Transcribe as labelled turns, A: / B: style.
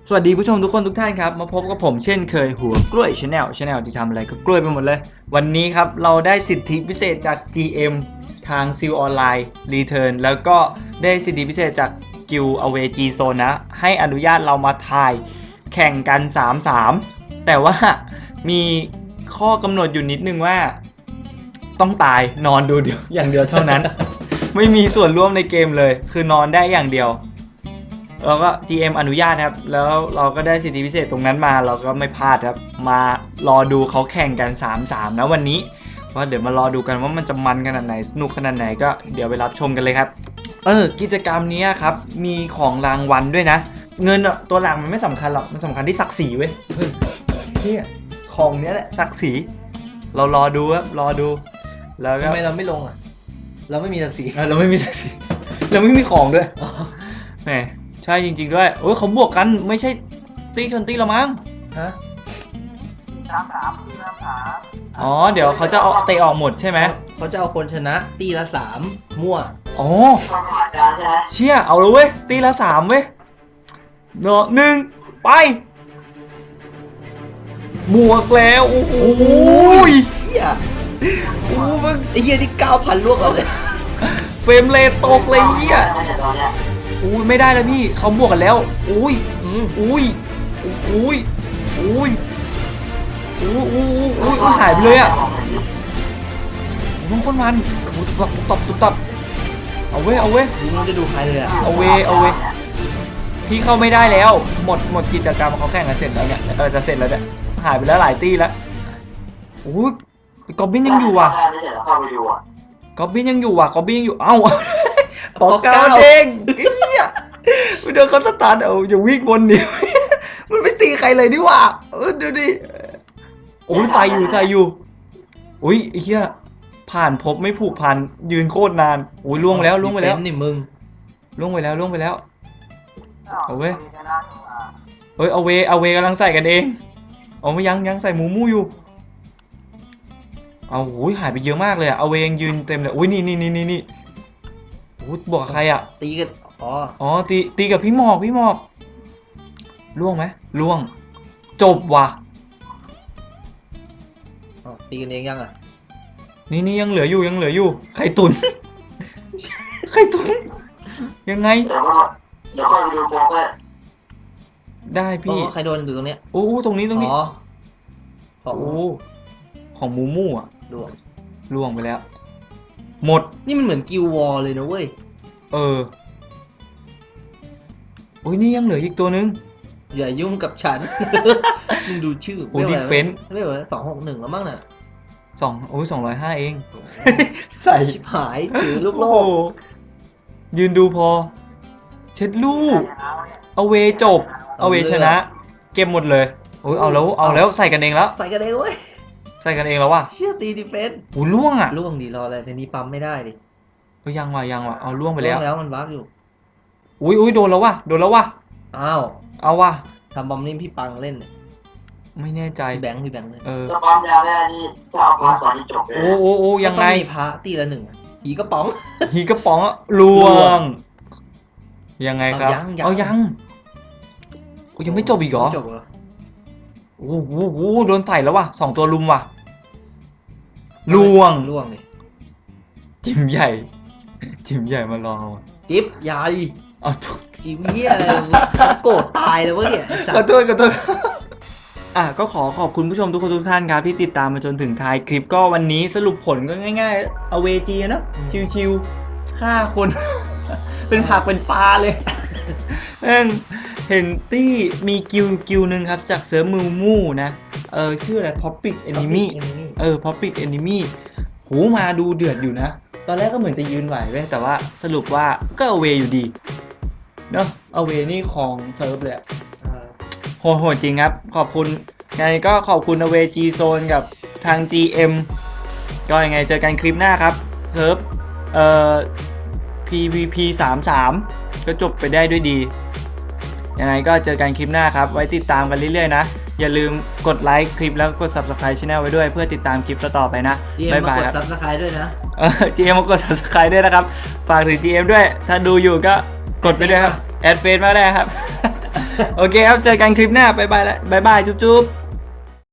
A: สวัสดีผู้ชมทุกคนทุกท่านครับมาพบกับผมเช่นเคยหัวกล้วยชาแนลที่ทำอะไรก็กล้วยไปหมดเลยวันนี้ครับเราได้สิทธิพิเศษจาก GM ทางซิลออนไลน์รีเทิร์นแล้วก็ได้สิทธิพิเศษจากกิลอเวจีโซนนะให้อนุญาตเรามาถ่ายแข่งกัน 3-3 แต่ว่ามีข้อกำหนดอยู่นิดนึงว่าต้องตายนอนดูเดียวอย่างเดียวเท่านั้น ไม่มีส่วนร่วมในเกมเลยคือนอนได้อย่างเดียวแล้วก็ GM อนุญาตครับแล้วเราก็ได้สิทธิพิเศษตรงนั้นมาเราก็ไม่พลาดครับมารอดูเขาแข่งกัน 3-3 นะวันนี้ว่าเดี๋ยวมารอดูกันว่ามันจะมันขนาดไหนสนุกขนาดไหนก็เดี๋ยวไปรับชมกันเลยครับกิจกรรมนี้ครับมีของรางวัลด้วยนะเงินตัวหลังมันไม่สำคัญหรอกมันสำคัญที่ศักดิ์ศรีเว้ยเนี่ยของเนี้ยแหละศักดิ์ศรีเรารอดูครับรอดูแล้วก็
B: ทำไมเราไม่ลงอ่ะเราไม่มีศักดิ์ศรี
A: เราไม่มีศักดิ์ศรีเราไม่มีของด้วยแหมใช่จริงๆด้วยโอ้ยเขาบวกกันไม่ใช่ตีชนตีละมั้ง
B: ฮะ
A: อ๋อเดี๋ยวเขาจะเอาเตะออกหมดใช่ไหม
B: เขาจะเอาคนชนะตีละ3มั่ว
A: อ๋อเชี่ยเอาเลยเว้ยตีละ3เว้ยเนาะ1ไปบวกแล้วโอ้โห
B: เฮียโอ้มันไอ้เฮียที่9,000ลวกเอาเลย
A: เฟรมเรทตกเลยเหี้ยอุ้ยไม่ได้แล้วพี่เขาบวกกันแล้วอุ้ยอุ้ยอุ้ยอุ้ยอุ้ยหายไปเลยอ่ะมันคนมันตบเอาเว้ย
B: ดูมันจะดูใครเลยอ่ะ
A: เอาเว้ยพี่เข้าไม่ได้แล้วหมดกิจกรรมเขาแข่งกันเสร็จแล้วเนี่ยจะเสร็จแล้วเนี่ยหายไปแล้วหลายตี้แล้วอุ้ยกอบบินยังอยู่ว่ะกอบบินยังอยู่เอ้าปอกเก้าเด้งเฮียเดี๋ยวเขาสตาร์ทอย่าวิ่งวนเดียวมันไม่ตีใครเลยดิว่ะดูดิโอ้ยใส่อยู่อุ้ยเฮียผ่านพบไม่ผูกพันยืนโคตรนานโอ้ยล่วงไปแล้ว
B: นี่มึง
A: ล่วงไปแล้วเอาเว้ยเฮ้ยเอาเวกำลังใส่กันเองเอาไม่ยังใส่หมูมู่อยู่เอาโอ้ยหายไปเยอะมากเลยอะเอาเวยังยืนเต็มเลยอุ้ยนี่โอ้ยบอกกับใครอะ
B: ตีกัน
A: อ๋อตีกับพี่หมอกล่วงไหมล่วงจบว่ะ
B: ตีกันเองยังอ่ะ
A: นี่ยังเหลืออยู่ไข่ตุ๋น ยังไง
C: เดี๋ยวค่อยไปดูโฟกัส
A: ได้พี่
B: ใครโดนอยู่ตรงเนี้ย
A: โอ้ตรงนี้
B: อ๋อ
A: โอ้ของมูมู่อ่ะ ล่วงไปแล้วหมด
B: นี่มันเหมือนกิลวอลเลยนะเว้ย
A: โอ้ยนี่ยังเหลืออีกตัวนึง
B: อย่ายุ่งกับฉัน มึงดูชื่อ
A: โอ้ดิเฟนส์
B: เรียกว่า261แล้วมั้งน่ะ
A: 205เองใส่
B: ชิบหายถือลูกโลก
A: ยืนดูพอเช็ดลูกเอาเวจบเอาเวชนะเก็บหมดเลยโอ้ยเอาแล้วใส่กันเองแล้ว
B: ใส่กันเองเว้ย
A: ใส่กันเองแล้วว่ะ
B: เชื่อตีดิเฟนส์
A: โอ้ล่วงอ่ะ
B: ล่วงดีรออะไรในนี้ปั๊มไม่ได้ดิ
A: ยังว่ะเอาล่วงไปแล้ว
B: มันบั๊กอยู่
A: อุ้ยโดนแล้วว่ะ
B: อ้าว
A: เอาว่ะ
B: ทำบอมนี่พี่ปังเล่นเนี่ย
A: ไม่แน่ใจ
B: พี่แบงค์เล่น
C: จะปั๊มยาแม่นี่จะเอาพาก่อนที่จบเลย
A: โอ้ยังไง
B: ต้องมีพระตีละ1หีกระป๋อง
A: ล่วงยังไงครับเอายังไม่จบอีกเหรอ
B: จบเหรอ
A: โอ้โหโดนใส่แล้วว่ะ2ตัวลุมว่ะล่วง
B: เลย
A: จิ๋มใหญ่มาลองเอา
B: จิ๊บใหญ่
A: เอา
B: จิ๊บเหี้ยอะไรโกรธตายเลยวะเนี่ย
A: ขอโทษก็ขอบคุณผู้ชมทุกคนทุกท่านครับที่ติดตามมาจนถึงท้ายคลิปก็วันนี้สรุปผลก็ง่ายๆเอาเวจีนะชิวๆฆ่าคน เป็นผักเป็นปลาเลยเห็นตี้มีกิวนึงครับจากเซิร์ฟมูมูนะชื่ออะไร Poppy Enemy Poppy Enemy หูมาดูเดือดอยู่นะตอนแรกก็เหมือนจะยืนไหวเว้ยแต่ว่าสรุปว่าก็เอาเวอยู่ดีเนาะเอาเวนี่ของเซิร์ฟเลยโหดจริงครับขอบคุณไงก็ขอบคุณเอาเวจีโซนกับทาง GM ก็ยังไงเจอกันคลิปหน้าครับเซิร์ฟPVP 33ก็จบไปได้ด้วยดียังไงก็เจอกันคลิปหน้าครับไว้ติดตามกันเรื่อยๆนะอย่าลืมกดไลค์คลิปแล้วกด Subscribe Channel ไว้ด้วยเพื่อติดตามคลิปต่อไปนะบ๊ายบายครับ
B: Subscribe ด้วยนะ
A: GM มากด Subscribe ด้วยนะครับฝากถึง GM ด้วยถ้าดูอยู่ก็กดไปด้วยครับแอดเฟซมาได้ครับโอเคครับเจอกันคลิปหน้าบ๊ายบายแล้วบ๊ายบายจุ๊บ